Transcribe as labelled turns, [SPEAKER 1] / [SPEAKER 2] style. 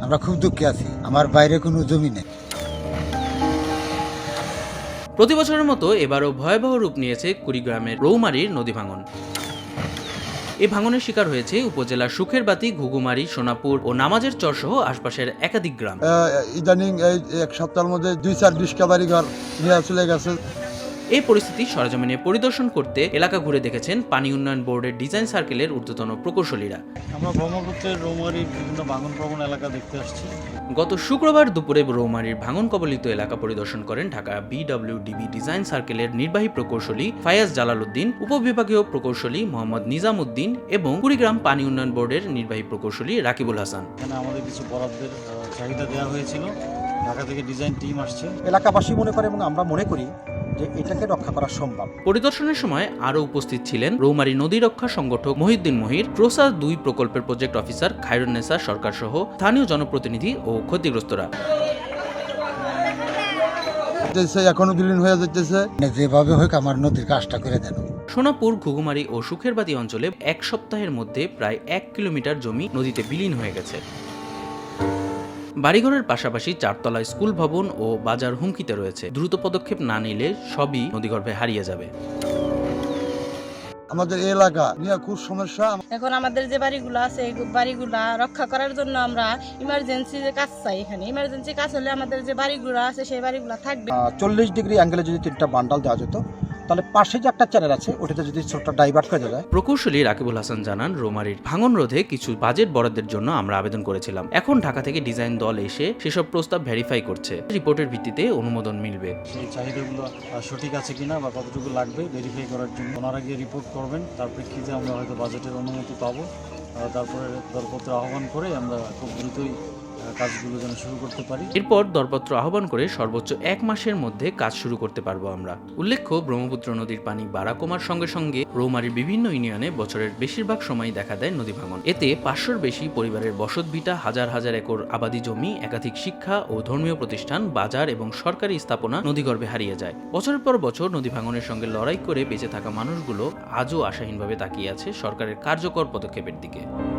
[SPEAKER 1] আমরা খুব দুঃখে আছি, আমার বাইরে কোনো জমি নেই।
[SPEAKER 2] প্রতি বছরের মতো এবারও ভয়াবহ রূপ নিয়েছে কুড়িগ্রামের রৌমারীর নদী ভাঙন। এই ভাঙনের শিকার হয়েছে উপজেলার সুখেরবাতি, ঘুঘুমারি, সোনাপুর ও নামাজের চর সহ আশপাশের একাধিক গ্রাম।
[SPEAKER 3] ইদানিং এই এক সপ্তাহের মধ্যে ২-৪ বাড়ি ঘর নিয়ে চলে গেছে।
[SPEAKER 2] এই পরিস্থিতি সরেজমিনে পরিদর্শন করতে এলাকা ঘুরে দেখেছেন পানি উন্নয়ন বোর্ডের ডিজাইন সার্কেলের ঊর্ধ্বতন প্রকৌশলীরা।
[SPEAKER 4] আমরা ব্রহ্মপুত্রের রৌমারীর বিভিন্ন ভাঙন প্রবণ এলাকা দেখতে আসছি।
[SPEAKER 2] গত শুক্রবার দুপুরে রৌমারীর ভাঙন কবলিত এলাকা পরিদর্শন করেন ঢাকা বিডব্লিউডিবি ডিজাইন সার্কেলের নির্বাহী প্রকৌশলী ফায়াজ জালালউদ্দিন, উপবিভাগীয় প্রকৌশলী মোহাম্মদ নিজাম উদ্দিন এবং কুড়িগ্রাম পানি উন্নয়ন বোর্ডের নির্বাহী প্রকৌশলী রাকিবুল হাসান।
[SPEAKER 4] এখানে আমাদের কিছু বরাদ্দের চাহিদা দেওয়া হয়েছিল, ঢাকা থেকে ডিজাইন টিম আসছে।
[SPEAKER 5] এলাকাবাসী মনে করে এবং আমরা মনে করি যে এটাকে রক্ষা করা সম্ভব।
[SPEAKER 2] পরিদর্শনের সময় আরও উপস্থিত ছিলেন রৌমারী নদী রক্ষা সংগঠক মহিউদ্দিন মহির, ক্রোসা 2 প্রকল্পের প্রজেক্ট অফিসার খায়রুন্নেসা সরকার সহ স্থানীয় জনপ্রতিনিধি ও ক্ষতিগ্রস্তরা।
[SPEAKER 3] এখনো বিলীন হয়ে যাচ্ছে।
[SPEAKER 1] যেভাবে হোক আমার নদীর কাজটা করে দেন।
[SPEAKER 2] সোনাপুর, ঘুঘুমারি ও সুখেরবাতি অঞ্চলে এক সপ্তাহের মধ্যে প্রায় 1 কিলোমিটার জমি নদীতে বিলীন হয়ে গেছে। বাড়িঘরের পাশাপাশি 4 তলা স্কুল ভবন ও বাজার হুমকিতে রয়েছে। দ্রুত পদক্ষেপ না নিলে সবই নদীগর্ভে হারিয়ে যাবে।
[SPEAKER 3] আমাদের এলাকা নিয়ে খুব সমস্যা।
[SPEAKER 6] এখন আমাদের যে বাড়িগুলো আছে এই বাড়িগুলা রক্ষা করার জন্য আমরা ইমার্জেন্সি যে কাজ চাই। এখানে ইমার্জেন্সি কাজ হলে আমাদের যে বাড়িগুলো আছে সেই বাড়িগুলো থাকবে।
[SPEAKER 5] 40 ডিগ্রি অ্যাঙ্গেলে যদি 3টা বান্ডাল দেওয়া যেত, তাহলে পাশে যে একটা চ্যানেল আছে ওটাতে যদি ছোট্ট ডাইভার্ট করে দেওয়া যায়।
[SPEAKER 2] প্রকৌশলী রাকিবুল হাসান জানান, রৌমারীর ভাঙন রোধে কিছু বাজেট বরাদ্দের জন্য আমরা আবেদন করেছিলাম। এখন ঢাকা থেকে ডিজাইন দল এসে সেসব প্রস্তাব ভেরিফাই করছে। রিপোর্টের ভিত্তিতে অনুমোদন মিলবে।
[SPEAKER 4] সেই চাহিদাগুলো সঠিক আছে কিনা বা কতটুকু লাগবে ভেরিফাই করার জন্য ওনারা গিয়ে রিপোর্ট করবেন। তার প্রেক্ষিতে আমরা হয়তো বাজেটের অনুমতি পাবো। তারপরে দরপত্র আহ্বান করে আমরা খুব দ্রুতই কাজগুলো যেন শুরু করতে পারি।
[SPEAKER 2] এরপর দরপত্র আহ্বান করে সর্বোচ্চ 1 মাসের মধ্যে কাজ শুরু করতে পারবো আমরা। উল্লেখ্য, ব্রহ্মপুত্র নদীর পানি বাড়া কমার সঙ্গে সঙ্গে রৌমারীর বিভিন্ন ইউনিয়নে বছরের বেশিরভাগ সময় দেখা দেয় নদী ভাঙন। এতে 500-র বেশি পরিবারের বসতভিটা, হাজার হাজার একর আবাদি জমি, একাধিক শিক্ষা ও ধর্মীয় প্রতিষ্ঠান, বাজার এবং সরকারি স্থাপনা নদীগর্ভে হারিয়ে যায়। বছরের পর বছর নদী ভাঙনের সঙ্গে লড়াই করে বেঁচে থাকা মানুষগুলো আজও আশাহীনভাবে তাকিয়ে আছে সরকারের কার্যকর পদক্ষেপের দিকে।